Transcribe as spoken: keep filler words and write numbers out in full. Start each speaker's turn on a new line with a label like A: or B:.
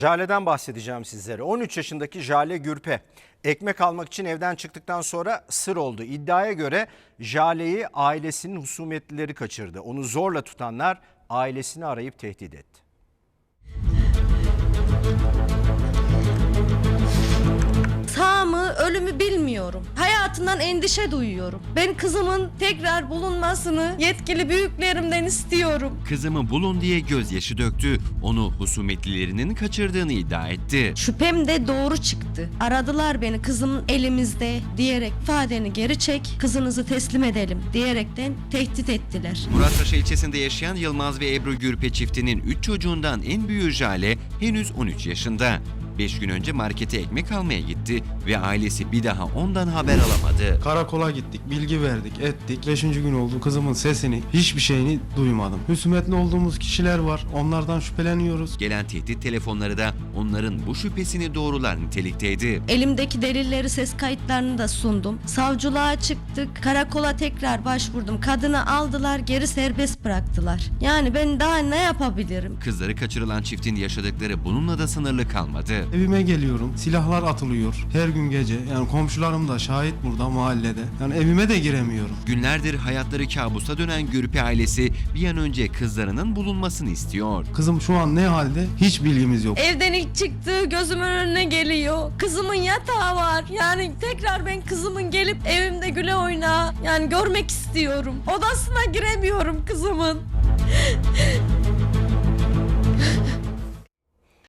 A: Jale'den bahsedeceğim sizlere. on üç yaşındaki Jale Gürpe ekmek almak için evden çıktıktan sonra sır oldu. İddiaya göre Jale'yi ailesinin husumetlileri kaçırdı. Onu zorla tutanlar ailesini arayıp tehdit etti.
B: Sağ mı, ölü mü bilmiyorum. Hayatından endişe duyuyorum. Ben kızımın tekrar bulunmasını yetkili büyüklerimden istiyorum.
C: Kızımı bulun diye gözyaşı döktü. Onu husumetlilerinin kaçırdığını iddia etti.
B: Şüphem de doğru çıktı. Aradılar beni, kızımın elimizde diyerek ifadeni geri çek, kızınızı teslim edelim diyerekten tehdit ettiler.
C: Muratpaşa ilçesinde yaşayan Yılmaz ve Ebru Gürpe çiftinin üç çocuğundan en büyüğü Jale henüz on üç yaşında. beş gün önce markete ekmek almaya gitti ve ailesi bir daha ondan haber alamadı.
D: Karakola gittik, bilgi verdik, ettik. Beşinci gün oldu, kızımın sesini, hiçbir şeyini duymadım. Husumetli olduğumuz kişiler var, onlardan şüpheleniyoruz.
C: Gelen tehdit telefonları da onların bu şüphesini doğrular nitelikteydi.
B: Elimdeki delilleri, ses kayıtlarını da sundum. Savcılığa çıktık, karakola tekrar başvurdum. Kadını aldılar, geri serbest bıraktılar. Yani ben daha ne yapabilirim?
C: Kızları kaçırılan çiftin yaşadıkları bununla da sınırlı kalmadı.
D: Evime geliyorum, silahlar atılıyor her gün gece. Yani komşularım da şahit burada mahallede. Yani evime de giremiyorum.
C: Günlerdir hayatları kabusa dönen Gürpe ailesi bir an önce kızlarının bulunmasını istiyor.
D: Kızım şu an ne halde hiç bilgimiz yok.
B: Evden ilk çıktığı gözümün önüne geliyor. Kızımın yatağı var. Yani tekrar ben kızımın gelip evimde güle oyna. Yani görmek istiyorum. Odasına giremiyorum kızımın.